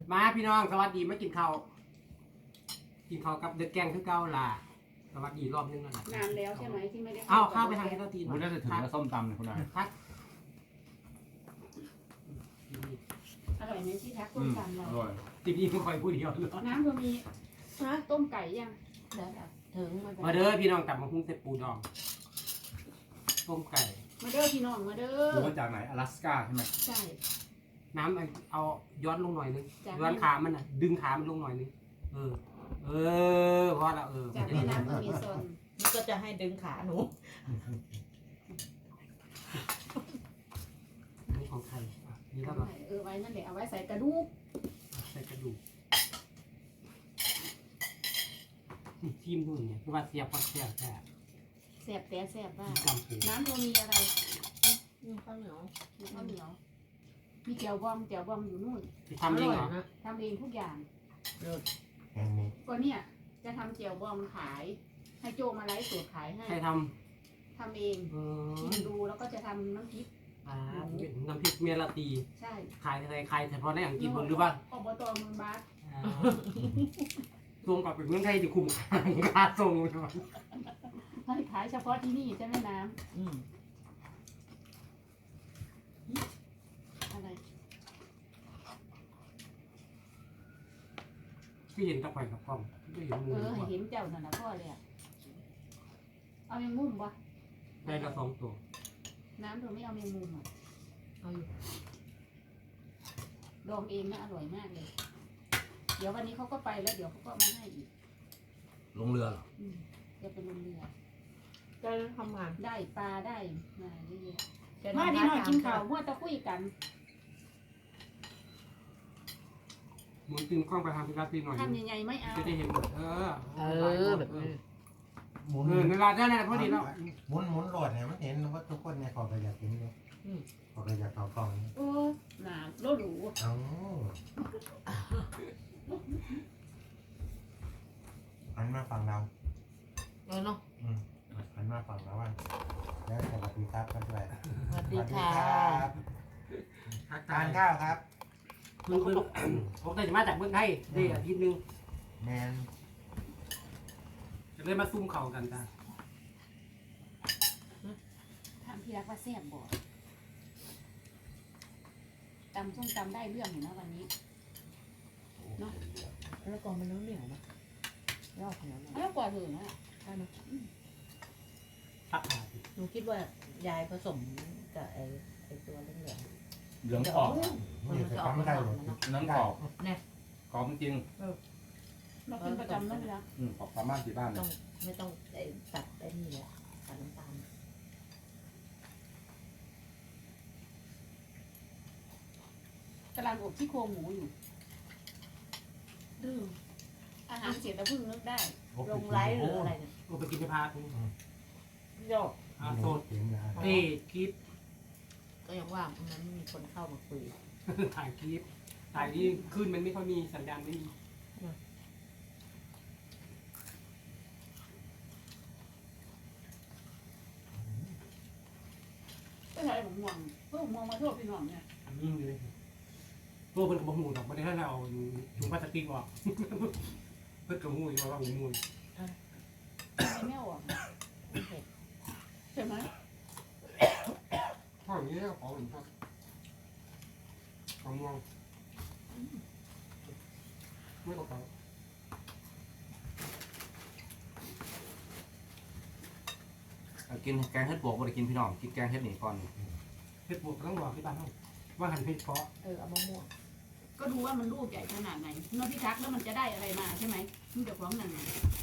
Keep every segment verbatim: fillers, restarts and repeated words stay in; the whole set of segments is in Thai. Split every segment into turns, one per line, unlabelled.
มาพี่น้องสวัสดีมากินข้าวกินข้าวกับเด็กแกงคือเก่าล่ะสวัสดีรอบนึงแล้วนะ
นานแล้วใช่ไหมที่ไม่ได้
เอาข้าวไปทางนี้ก็ตี
มันน่าจะถึงแล้วส้มตำเนี่ยคุณนาย
ทัก
อร่อยไหมที่ทักต้มตำเรา
อร่อย
ตีนี้ไม่ค่อยพูดเดียวเลย
น้ำก็มี
ฮะ
ต้มไก่ยัง
เดี๋ยวถึงมัน
มาเด้อพี่น้องกลับมาหุ้งเต็ปูดองต้มไก่
มาเด้อพี่น้องมาเด้
หรือ
อ
ว่าจากไหนอลาสก้าใช่ไหม
ใช่
น้ำเอาย้อนลงหน่อยนึง
จาก
ย้อนขามันน่ะ ดึงขามันลงหน่อยนึงเออ เออพอละเออ
จากแม่น้ำอเมซอน
นี่ก็จะให้ดึงขาหนู
นี่ของใครอ่ะนี่ก็แบบ
เออไว้นั่นแหละเอาไว้ใส่กระดูก
ใส่กระดูกนี่จิ้มด้วยเนี่ยคือว่าเสียบพอเสียบแค่
แสบแต่แสบว่า
จำปู
น้ำก็มีอะไร
นี่ข้าวเหนียว
มีข้าวเหนียวมีแจ่วบอมแจ่วบอมอยู่นู่น
ที่ทำเองเหรอ
นะ
ทำเองทุกอย่าง
เลิศ
ก็เนี่ยจะทำแจ่วบอมขาย ให้โจมาไลฟ์สดขายให้
ใครท
ทำเอง
ำเออ
ชิมดูแล้วก็จะทำน้ำพริก
อ่าน้ำพริกเมียลาตี
ใช่
ขายอะไรขายเฉพาะในอังกฤษบนหรือว่า
อบตเมืองบาส
ส่งกลับไปเมืองไทยจะคุ้มค่าส่งใช่ไหม
ให้ขายเฉพาะที่นี่ใช่ไหมน้
อืม
ำอะไร
ที่เห็นตะไคร่กับกล้องไม่เห็นมื
เอ
อ
อให้เห็นเจ้านั่นนะพ่อเลยอะเอาแมงมุมปะ
ได้ละสองตัว
น้ำเธอไม่เอาแมงมุมอ่ะ
เอาอยู่
ดองเองนะอร่อยมากเลย เดี๋ยววันนี้เขาก็ไปแล้วเดี๋ยวเขาก็มาให้อีก
ลงเรือเหรอ
อืมจะเป็นเรือ
จะทำงาน
ได้ปลาได้มาเยอะ
จะ
ๆมาดีหน่อยกินข้าวมั่วตะคุยกัน
หมุนตึงกล้องไปทางพิลาตีหน่อย
ทำใหญ่ๆไม่เอา
จะได้เห็นหมดเออ
เออแบบนี้
หมุน
เออเวลาได้แล้วพอดีแล้ว
หมุนหมุนโหลดเนี่ยมันเห็นว่าทุกคนเนี่ยขอก็อยากเห็นเลยขอก็อยากเขากล่องนี่
โอ้หนาโลหรู
เอ้าหันมาฝั่งเรา
เออเนาะ
อืมหันมาฝั่งเราว่าแล้วสวัสดีครับกันด้วย
สวัสดีค่ะ
บ
ทัก
ทา
ทาย
นข้าวครับ
เพิ่งเพิ่งผมได้มาจากเมืองไทยได้อาทิตย์นึง
แมน
จะเลยมาซุ่มเข่ากันจ้ะ
ทำพี่รักว่าแซ่บบ่ตำส้มตำได้เรื่องอยู่นะวันนี้
แล้วกองมันเหนียวเหนียวนะยอดเหนียวหน่อย
แล้วกว่าเถอะนะ
ใช่ไหม
ทักทาย
หนูคิดว่ายายผสมกับไอ้ไอ้ตัวเหลือง
เหลืองกรอบ
นี่จะทำได้เลย
นั้นกรอบกรอบจริง
เราเป็นประจำนั่นแหละ
ๆอืมกรอบประมาณที่บ้าน
ๆ
เนี่
ต้อย งไม่ต้องไอ้ตัดไอ้นี่เลยตัดน้ำตาล
กำลังอบที่โครงหมูอยู่ดื้ออาหารเสร็จแล้วเพิ่งนึกได้
ลงไลฟ์หรืออะไรเนี่ย
ก็ไปกินไปพาทุก
โยก
อ่าโซน
เห็นนะ
เอ้คลิป
ก็ยังว่ามันไม่มีคนเข้ามาคุย
ถ่ายคลิปถ่ายที่ขึ้นมันไม่ค่อยมีสัญญาณไม่มี
ก็ใช่ผมมองเพิ่งมองมาโทษพี่น้องเนี่ย
ยิ่งเลยตัวเพิ่นกับหูดอกไม่ได้ให้เราถุงพลาสติกออก เพิ่นกับหูอยู่ว่าหูมูล
ไม่แม่ออก
ไม่เผ็ด
ใช่ไหม
ข้ออย่างนี้ของหนึ่งครับของมองไม่ตกใจ
กินแกงเห็ดบวกบ่ได้กินพี่น้องกินแกงเห็ดนี่ก่อน
เพชรบวกต้องบอกที่บ้านเขาว่าหันเพชรเพาะ
เออเอามะม่วง
ก็ดูว่ามันลูกใหญ่ขนาดไหนนอกที่ทักแล้วมันจะได้อะไรมาใช่ไหมมันจะฟ้องนั่นไง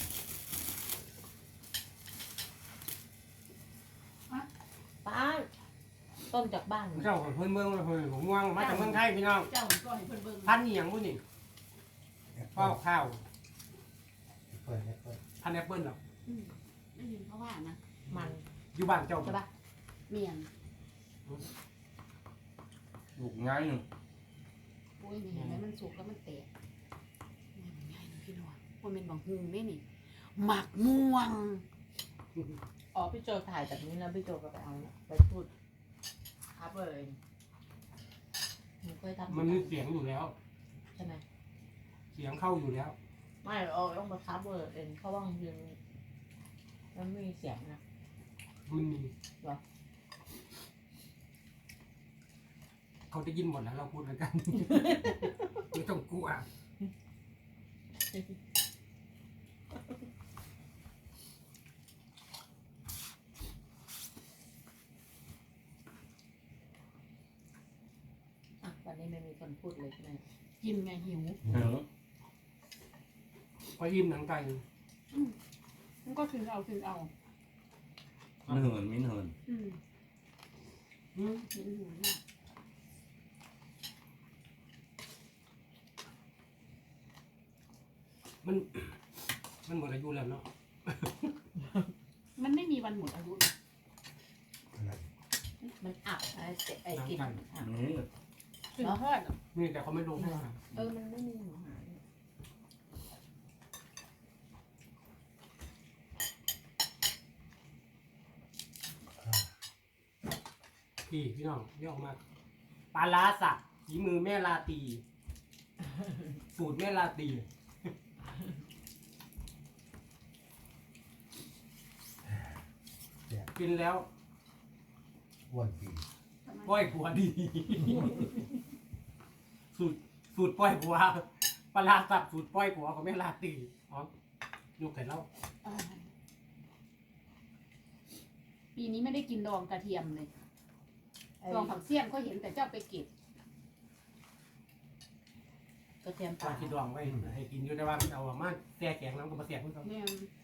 ป้าต้นจากบ้าน
เจ้าของเพื่อนเมืองเพื่อนผมม่วงมาจากเมืองไทยพี่น้อง
เจ้าก็ให้เพิ่นเบิ่ง
พันนี่อย่างพุ่นนี่ข้าวข้าว
เปิดเปิด
พันแอปเปิ้ลหรอ
อืมได้ยินเขาว่านะ
มัน
อยู่บ้านเจ้า
ใช่ปะ
เมียน
ลูกง่ายหนึ่ง
โอ้ยนี่เห็นไหมมันสุกแล้วมันแตกง่ายๆนะพี่น้องมันเป็นบางฮุงนี่นี่หมักม่วง
อ๋อพี่โจถ่ายแบบนี้แล้วพี่โจก็ไปเอาไปพูดอัพเลยหนูเคยทำ
มันมีเสียงอยู่แล้ว
ใช่ไหม
เเสียงเข้าอยู่แล้ว
ไม่เอาต้องมาทับเบอร์เองเพราะว่าบางทีมันไม่มีเสียงนะ
มันมีเขาจะยินหมดแล้วเราพูดแล้วกัน ไม่ต้องกลัว
อ่ะวันนี้ไม่มีคนพูดเลยใช่ไหม
กินไงหิว
เออ
พออิ่มหนังไก่
มันก็กินเอากินเอา
มันเหินมิ้นเหิน
อืม
อืม
กินหิวเนี่ย
มัน มันหมดอายุแล้วเนาะ
มันไม่มีวันหมดอายุหรอก
อะไร
มันอับอะไรไอ้กลิ่นอับ
นี่
ถึงทอดอะ
นี่แต่เขาไม่ลงให้อาหาร
เออมันไม่มีอาหาร
พี่พี่น้องเรียกออกมาปลาล้าสักฝีมือแม่ลาตี สูตรแม่ลาตี กินแล้ว
อ้วนปี
ป้อยผัวดี สูตรสูตรป้อยผัวปลาร้าสับสูตรป้อยผัวของแม่ลาตีอ๋อยกไข่เล่า
อ่าปีนี้ไม่ได้กินดองกระเทียมเลย
ไอ้
ดองผักเสี้ยนก็เห็นแต่เจ้าไปเก็บ
กระเทียม
ปลา
ป่า
คิดดองไว้ให้กินอยู่ในว่ามันเอามาแซ่แข็งแล้วก็มาแซ่คุณเขา
เนี่ย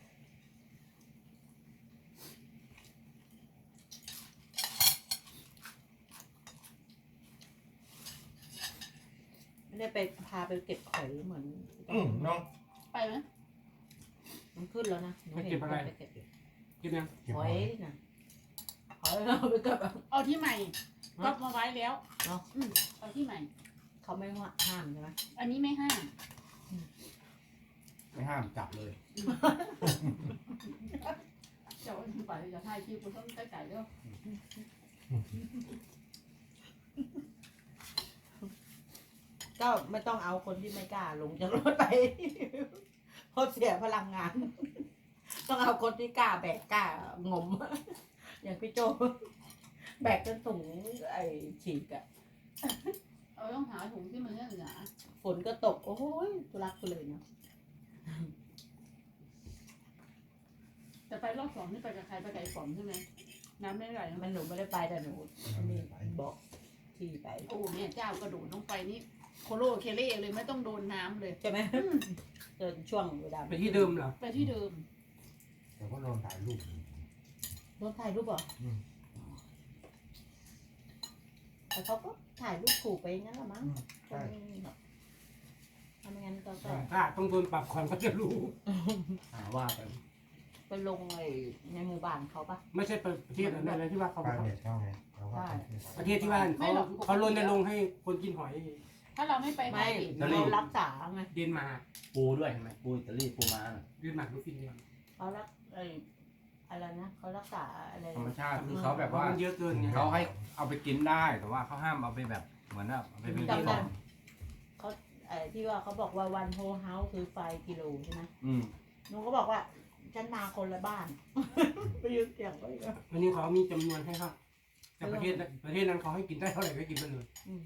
ไม่ได้ไปพาไปเก็บหอยเหมือน
อืมเนาะ
ไปไหม
มันขึ้นแล้วนะหนูเห็นคนไปเก็บ
กินยัง
เก็บ
ห
ห
อ
อย ย
นะหอยเราไปเก็บ
เอาที่ใหม่ก็มาไว้แล้ว
เนาะ
อืมเอาที่ใหม่
เขาไม่ว่าห้ามใช่ไหม
อันนี้ไม่ห้าม
ไม่ห้ามจับเลย
เจ้าไปจะถ่ายคลิปกูต้องใส่ไก่เด้อ
ก็ไม่ต้องเอาคนที่ไม่กล้าลงจากรถไป เพราะเสียพลังงาน ต้องเอาคนที่กล้าแบกกล้างม อย่างพี่โจ แบกจนถุงไอ้ฉีกอะ
เอาต้องหาถุงที่มันเหนือ
ฝนก็ตก โอ้ยทุรักทุเลยเนาะ
แต่ไปรอบสองนี่ไปกับใครไปไก่ฝอมใช่ไหมน้ำไม่ไหล
มันหนูไม่ได้ไปแต่หนูนี่บอกที่ไป
โอ้แม่เจ้ากระโดดลงไปนี่โคโลเคเล่เลยไม่ต้องโดนน้ำเลย
ใช่ไหม
อืม
เดินช่วงเวลา
ไปที่เดิมเหรอ
ไปที่เดิม
แต่ก็ลองถ่ายรูป
รถถ่ายรูปเหรอ
อืม
แต่เขาก็ถ่ายรูปขู่ไปงั้นละมั้ง
อืมใช่
ทำงั้นก็ก็
ถ้าต้องโดนปรับก่อนเขาจะรู้
หาว่าไป
ไปลงไอ้ในหมู่บ้านเขาปะ
ไม่ใช่ประเทศอะไรนะที่ว่าเขา
ป้าเน็ตเข้าไงเขาว่า
ประเทศที่ว่าเขาเขารณรงค์ให้คนกินหอย
ถ้าเราไม่ไป
ไม่
หาเห็ด
เรารักษาไง
เดนมาร์ก
ปูด้วยเห็นไหมปูอิตาลีปูม้าน่ะ
เดนมาร์กหรือฟินแลนด์
เขารักไอ้อะไรนะเขารักษาอะไร
ธรรมชาติคือเขาแบบ
เพราะ
ว่า
มันเยอะเกินไง
เขาให้เอาไปกินได้แต่ว่าเขาห้ามเอาไปแบบเหมือนแบบเอาไปเป็น
จำ
ข
ได้
อง
เขาไอ้ที่ว่าเขาบอกว่าวันโฮเฮาส์คือไฟกิโลใช่ไหม
อืม
หนูก็บอกว่าฉันมาคนละบ้าน ไปยืนเสียงไว้อีกแล้ว
วันนี้เขามีจำนวนให้ครับแต่ประเทศนั้นประเทศนั้นเขาให้กินได้เท่าไหร่ก็กินไปเลย
อืม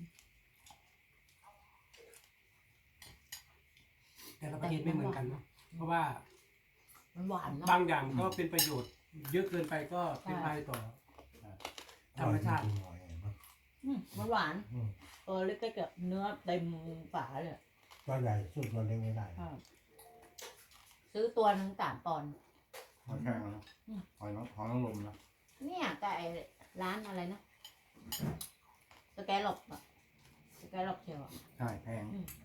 แต่ละประเทศไม่เหมือนกันเนาะเพราะว่า
มันหวานเนาะ
บางอย่างก็เป็นประโยชน์ เยอะเกินไปก็เป็นภัยต่อธรรมชาติ
หอยเนาะ
อืมมันหวาน
อืม
เออเล็กๆกับเนื้อเต็มฝาเลย
ตัวใหญ่สุดตัวเล็กไม่ได้
ซื้อตัวหนึ่งสามปอนด์
หอยแครงนะหอยน้องหอยนางรมนะ
เนี่ยแต่ไอ้ร้านอะไรนะสแกลล็อกอะสแกลล็อกเชียวอะ
ใช่แพง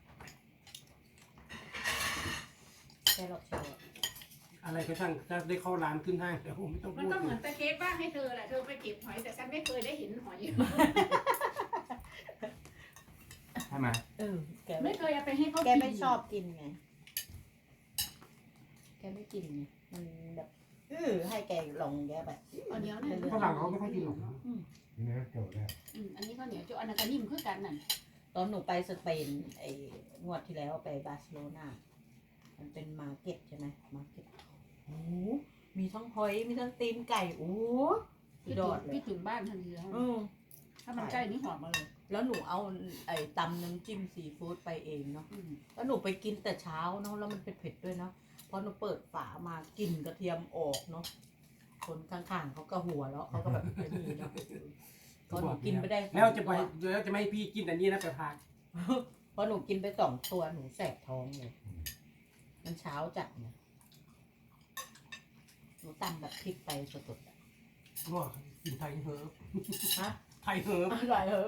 สแกลล็อกเชียวอะ
อะไรก็ช่างถ้าได้เข้าร้านขึ้นห้างแต่ผมไม่ต้อง
มัน
พูด
ก็เหมือนตะเก็บบ้างให้เธอแหละเธอไปเก็บหอยแต่ฉันไม่เคยได้เห็นหอย
ใช่ไหม
เออแก
ไม่เคยเอาไปให้เขา
แก
กิน
ไม่ชอบกินไงแกไม่กินไงมันแบบเออให้แกลองแกแบบ
เอาเดี๋ยวนะ
ฝรั่งเขาไม่ค่อยกินหรอกนะ
นี่นะโจทย์แล้ว
อืมอันนี้ข้าวเหนียวโจอันนั้นก็นิ่มคือกันนั่น
ตอนหนูไปสเปนไอ้งวดที่แล้วไปบาร์เซโลนามันเป็นมาร์เก็ตใช่ไหมมาร์เก็ตโอ้โหมีทั้งหอยมีทั้งตีนไก่โอ้โหสุ
พี่
ดย
ถึ
อง ดเลย
พี่ถึงบ้านทันทีแล้ว
อืม
ถ้ามันใกล้นี่หอมมาเลย
แล้วหนูเอาไอ้ตำน้ำจิ้มซีฟู้ดไปเองเนาะ
อืม
แล้วหนูไปกินแต่เช้าเนาะแล้วมันเป็นเผ็ดด้วยเนาะพอหนูเปิดฝามากลิ่นกระเทียมออกเนาะคนข้างๆเขาก็หัวแล้วเขาก็แบบไม่มีเนาะพอหนูกินไปได้สอง
แล้วจะไป
ตัว
แล้วจะไม่ให้พี่กินอันนี้นะไปพา
พอหนูกินไปสองตัวหนูแสบท้องเลย มันเช้าจัดเนี่ยหนูตำแบบพริกไปสดๆอะ
ง้อกินไทยเฮิร์บ
ฮะ
ไทยเฮิร์บ
อร่อยเหรอ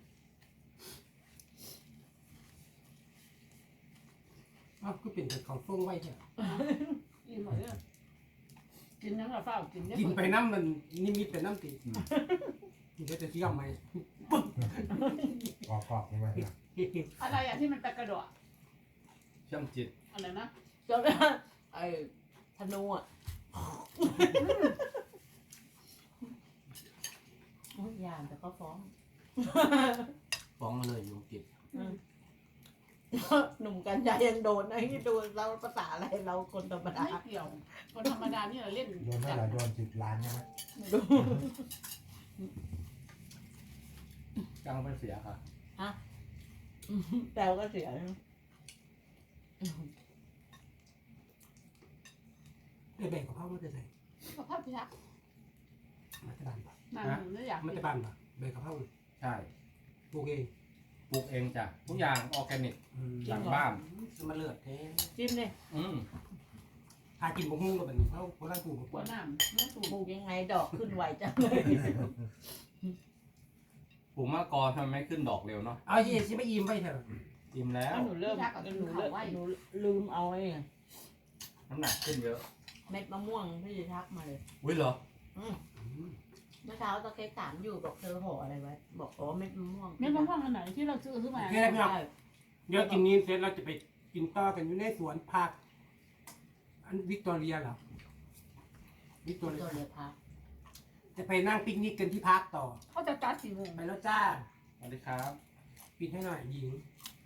อ้าวก็เป็นแต่ของฟงไว้เถอะ
กินหมดเลยกินน้ำกับเฝ้ากินได้
กินไปน้ำมันนิมิตไปน้ำตีกินไปแต่เที่ยวไหม
กรอบๆนี่ไหมนะ
อะไรอ่ะที่มันตะกระโดด
เชื่อมจิต
อะไรนะ
จนไอ้ธนูอ่ะโอ้ยยามแต่ก็ฟ้อง
ฟ้องมาเลยอยู่กิจ
หนุ่มกันยายังโดนไอ้ที่ดูเราภาษาอะไรเราคนธรรมดา
ไม่เกี่ยว คนธรรมดานี่เราเล่น
โดนเท่าไหร่โดนสิบล้านใช่ไหม
ดู
จ้างไปเสียค่ะ
ฮะแต่ก็เสีย
ไอ้แบ่งกับพ่อมันจะใส่
กับภาพพิทักษ์
มันจะบานปะ
นางไม่อยาก
มันจะบานปะแบ่งกับพ่อ
ใช่
ปลูกเอง
ปลูกเองจ้ะทุกอย่างออร์แกนิก
อืม
หลังบ้าน
มันเลือดแท้
จิ้มเลย
อืม
หากินบกหุ้งกับแบบนี้เขาเขาไล่ปลูก
หัวหน้ำไม่ถูก
ปลูกยังไงดอกขึ้นไวจังเลย
ปลูกมะกอทำไมไม่ขึ้นดอกเร็วเนาะ
เอาเยี่สิไม่อิ่มไปเถอะ
อิ่มแล้ว
หนูเริ่มหนูเริ่มหนูลืมเอาไอ้
น้ำหนักขึ้นเยอะ
เม็ดมะม่วงที่ทักมาเลย
อุ้ยเหรอ
อืม
เมื่อเช้าตะเกียบถามอยู่บอกเธอห่ออะไรไว้ บอกอ๋อเม็ดมะม่วง
เม็ดมะม่วงอันไหนที่เราซื้อซื้อมา
โอเคนะพี่น้อง
ใช่
เดี๋ยวกินนี้เสร็จเราจะไปกินต่อกันอยู่ในสวนผักอันวิกตอเรียเหรอวิกตอเรี
ตัวย เดียวพัก
จะไปนั่งปิกนิกกันที่พักต่อ
เขาจะจัดสี่โมง
ไปแล้วจ้า
สวัสดีครับ
ปิดให้หน่อยหญิง
ค